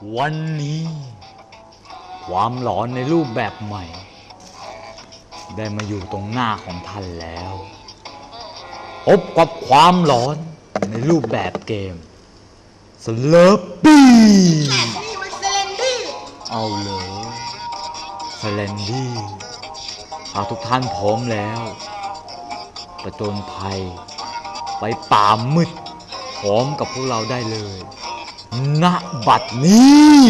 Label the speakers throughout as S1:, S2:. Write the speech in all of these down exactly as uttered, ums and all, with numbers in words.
S1: วันนี้ความหลอนในรูปแบบใหม่ได้มาอยู่ตรงหน้าของท่านแล้วพบกับความหลอนในรูปแบบเกมสเลอร์ปี้
S2: นี่มันเซเลนดี้
S1: เอาเลยสเลนดี้หากทุกท่านพร้อมแล้วประจนภัยไปป่ามืดพร้อมกับพวกเราได้เลยณบัดนี้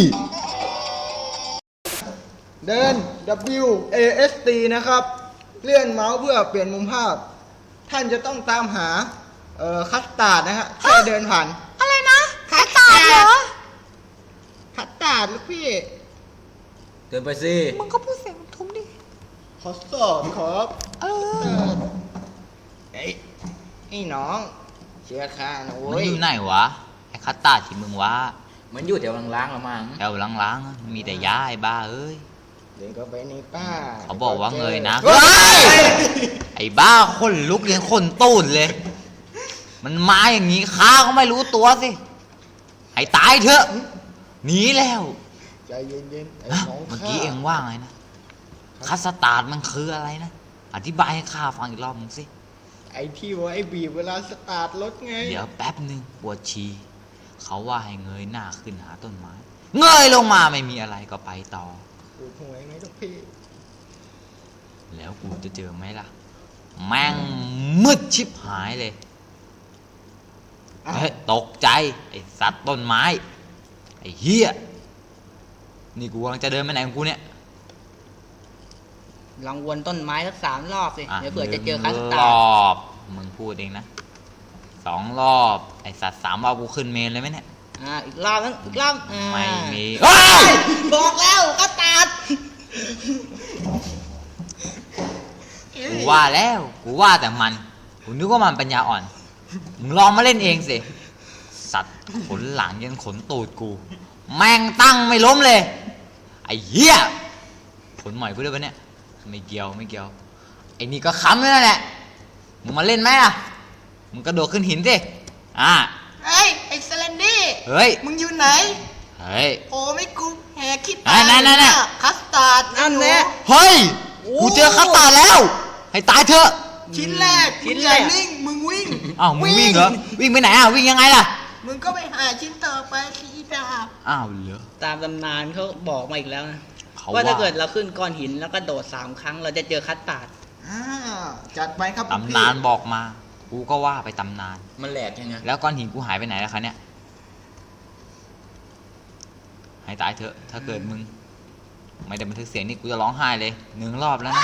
S2: เดิน W A S D นะครับเลื่อนเมาส์เพื่อเปลี่ยนมุมภาพ ท่านจะต้องตามหาเอ่อคัสตาร์ดนะฮะแค่เดินผ่าน
S3: อะไรนะคัสตาร์ดเหรอ
S2: คัสตาร์ดลูกพี่
S1: เดินไปสิ
S3: มึงก็พูดเสียงทุ้มดิ
S2: ขอสอบครับ
S3: เอ
S2: เอ
S3: อ
S2: อไอ้ไอ้น้องเชื่อข้านะ
S4: มัน
S2: เว้ย
S4: อยู่ไหนวะไอ้คัตตาร์ดที่มึงว่า
S1: มันอยู่แถวล้างๆละมั้ง
S4: แถวล้างๆอะมีแต่ยาไอ้บ้าเอ้ย
S2: เดินเข้าไปในป้า
S4: เขาบอกว่าเงยนะ
S2: เฮ้ย
S4: ไอ้บ้าคนลุกยังคนตูนเลย มันมาอย่างนี้ข้าก็ไม่รู้ตัวสิให้ตายเถอะหนีแล้ว
S2: ใจเย็นๆไอ้
S4: ฮะ
S2: น้อง
S4: เมื่อ
S2: ข้า
S4: กี้เองว่าไงนะคัสตาร์ดมันคืออะไรนะอธิบายให้ข้าฟังอีกรอบมึงสิ
S2: ไอ้ที่ว่าไอ้บีบเวลาสตาร์ทรถไง
S4: เดี๋ยวแป๊บหนึ่งปวดฉี่เขาว่าให้เงยหน้าขึ้นหาต้นไม้เงยลงมาไม่มีอะไรก็ไปต่อ
S2: ปวดหัวไหมลูกพี่
S4: แล้วกูจะเจอไหมล่ะ แม่งมืดชิบหายเลย
S2: อ้าว
S4: เฮ้ยตกใจ ไอ้สัตว์ต้นไม้ ไอ้เหี้ย นี่กูกำลังจะเดินไปไหนของกูเนี่ย
S3: ลองวนต้นไม้สักสามรอบสิ
S4: อ่ะ
S3: เดี๋ยวเผื่อจะเจอ
S4: ห
S3: คั
S4: นึ่
S3: ส
S4: ง
S3: ตาร ร์ด
S4: อบ มึงพูดเองนะ สองรอบ ไอ้สัตว์สามรอบกูขึ้นเมนเลยไหมเนี่ย
S3: อ่าอีกรอบนึงอีกรอบอ่า
S4: ไม่มีเฮ้ย
S3: บอกแล้วคัสตาร์ด
S4: กูว่าแล้ว กูว่าแต่มัน กูนึกว่ามันปัญญาอ่อน มึงลองมาเล่นเองสิ สัตว์ขนหลังยันขนตูดกู แม่งตั้งไม่ล้มเลย ไอ้เหี้ยผลหมอยกูด้วยปะเนี่ย ไม่เกี่ยวไม่เกี่ยว ไอ้นี่ก็ค้ำด้วยนั่นแหละ มึงมาเล่นไหมล่ะ มึงกระโดดขึ้นหินสิ อ่า
S2: เฮ้ยไอ้เซเลนดี้
S4: เฮ้ย
S2: มึงอยู่ไหน
S4: เฮ้ย
S2: โอ้ไม่กูแหกคิด
S4: นั่นนั่นนั่นนั่น
S2: คัสตาร์ด
S3: นั่นแหละ
S4: เฮ้ย กูเจอคัตตาร์ดแล้ว ให้ตายเถอะ
S2: ชิ้นแรก
S3: ชิ้น
S2: มึง
S3: แร
S2: อย่าก นิ่งมึงวิ่ง
S4: อ้าวมึงวิ่งเหรอ วิ่งไปไหนอ่ะ วิ่งยังไงล่ะ
S2: มึงก็ไปหาชิ้นต่อไปสิอีดาบ
S4: อ้าวเหรอ
S3: ตามตำนานเขาบอกมาอีกแล้วนะ
S4: เขา
S3: ว่าถ้า
S4: ว่า
S3: เกิดเราขึ้นก้อนหินแล้วก็โดดสามครั้งเราจะเจอคัสตาร์ด
S2: อ่าจัดไปครับ
S4: ตำนานบอกมา กูก็ว่าไปตำนาน
S1: มันแหลกยังไง
S4: แล้วก้อนหินกูหายไปไหนแล้วคะเนี่ย ให้ตายเถอะ ถ้าเกิดมึง ไม่ได้บันทึกเสียงนี่กูจะร้องไห้เลยหนึ่งรอบแล้วนะ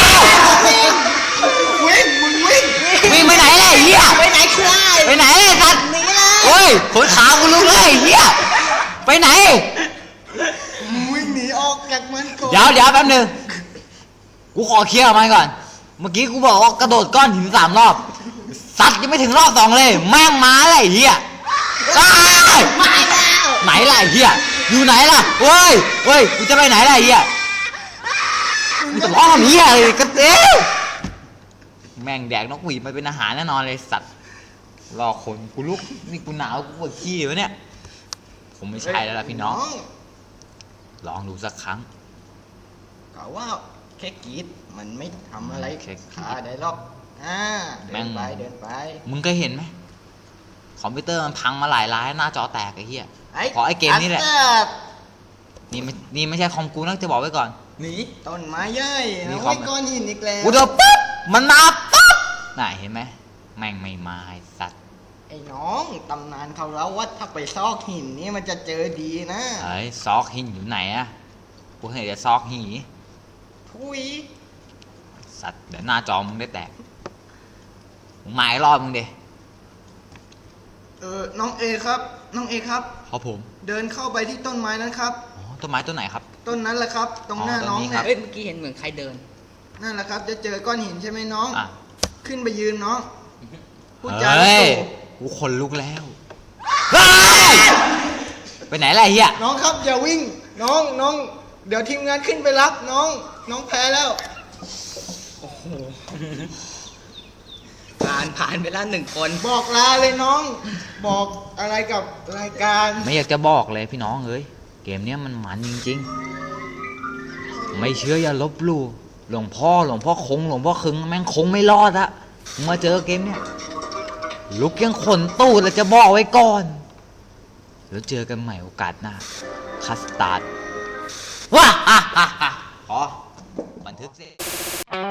S2: วิ่งมึงวิ่ง
S4: วิ่งไปไหนเลยไอ้เฮีย
S3: ไปไหนคลาย
S4: ไปไหนไอ้สัตว์
S3: หนีเลย
S4: โอ้ยขนขากูลุกเลยไอ้เฮียไปไหน
S2: มึงวิ่งหนีออกจากมันก่อน
S4: เดี๋ยวเดี๋ยวแป๊บนึง กูขอเคลียร์กับมันก่อน เมื่อกี้กูบอกว่ากระโดดก้อนหินสามรอบ สัตว์ยังไม่ถึงรอบสองเลย แม่งมาเลยไอ้เฮียอ้าว
S3: มาแล้ว
S4: ไหนล่ะไอ้เฮียอยู่ไหนล่ะเว้ยเว้ยกูจะไปไหนล่ะไอ้เฮียมึงจะร้องทำเฮียอะไรกันเต้แม่งแดกนกหวีดมาเป็นอาหารแน่นอนเลยสัตว์รอคนกูลุกนี่กูหนาวกูปวดขี้วะเนี่ยผมไม่ใช่แล้วล่ะพี่น้อง ลองดูสักครั้ง
S2: กล่าวว่าแค่กรีดมันไม่ทำอะไร
S4: แค่กรี๊ด
S2: ขาได้หรอกอ่า
S4: แม่
S2: เดิน
S4: ง
S2: ไปเดินไป
S4: มึงเคยเห็นไหมคอมพิวเตอร์มันพังมาหลายร้ายหน้าจอแตกไอ้เหี้ย
S2: ไอ้
S4: ขอไอ้เกมนี้แหละ
S2: คัสตาร์ด
S4: นี่ไม่นี่ไม่ใช่คอมกูนะจะบอกไว้ก่อน
S2: หนีต้นไม้ใหญ่
S4: นี่
S2: นะ
S4: คอ
S2: ไว้
S4: ม
S2: ก้อนหินอีกแล้ว
S4: กูเดินปุ๊บมันมาปุ๊บน่ะเห็นไหมแม่งไม่มาไอ้สัตว์
S2: ไอ้น้องตำนานเขาเล่าว่าถ้าไปซอกหินนี่มันจะเจอดีนะ
S4: เฮ้ยซอกหินอยู่ไหนอะกูเห็นแต่ซอกหี
S2: ทุย
S4: สัตว์เดี๋ยวหน้าจอมึงได้แตกมึงมาอีกรอบมึงดิ
S2: เออน้องเอครับ น้องเอครับ
S4: ครับผม
S2: เดินเข้าไปที่ต้นไม้นั้นครับ
S4: อ๋อต้นไม้ต้นไหนครับ
S2: ต้นนั้นแหละครับ ตรงหน้า
S4: อ๋อต้น
S2: น้อง
S4: นี้ครั
S2: เนี่
S4: บ
S2: ย
S3: เอ้ยเมื่อกี้เห็นเหมือนใครเดิน
S2: นั่นแหละครับ จะเจอก้อนหินใช่ไหมน้อง
S4: อ่ะ
S2: ขึ้นไปยืนน้องพูดจา
S4: เฮ้ย
S2: ถูก
S4: กูขนลุกแล้วเฮ้ยไปไหนล่ะไอ้เหี้ย
S2: น้องครับอย่าวิ่ง น้องน้อง เดี๋ยวทีมงานขึ้นไปรับน้อง น้องแพ้แล้ว
S3: ผ่านผ่านไปแล้วหนึ่งคน
S2: บอกลาเลยน้อง บอกอะไรกับรายการ
S4: ไม่อยากจะบอกเลยพี่น้องเอ้ยเกมเนี้ยมันมันจริงๆ ไม่เชื่ออย่าลบหลู่หลวงพ่อหลวงพ่อคงหลวงพ่อคึงแม่งคงไม่รอดอะมึงมาเจอเกมเนี้ยลุกยังขนตูดแล้วจะบอกไว้ก่อน แล้วเจอกันใหม่โอกาสหน้าคัสตาร์ดว้าฮ่าฮ่าฮ่าพอบันทึกเสร็จ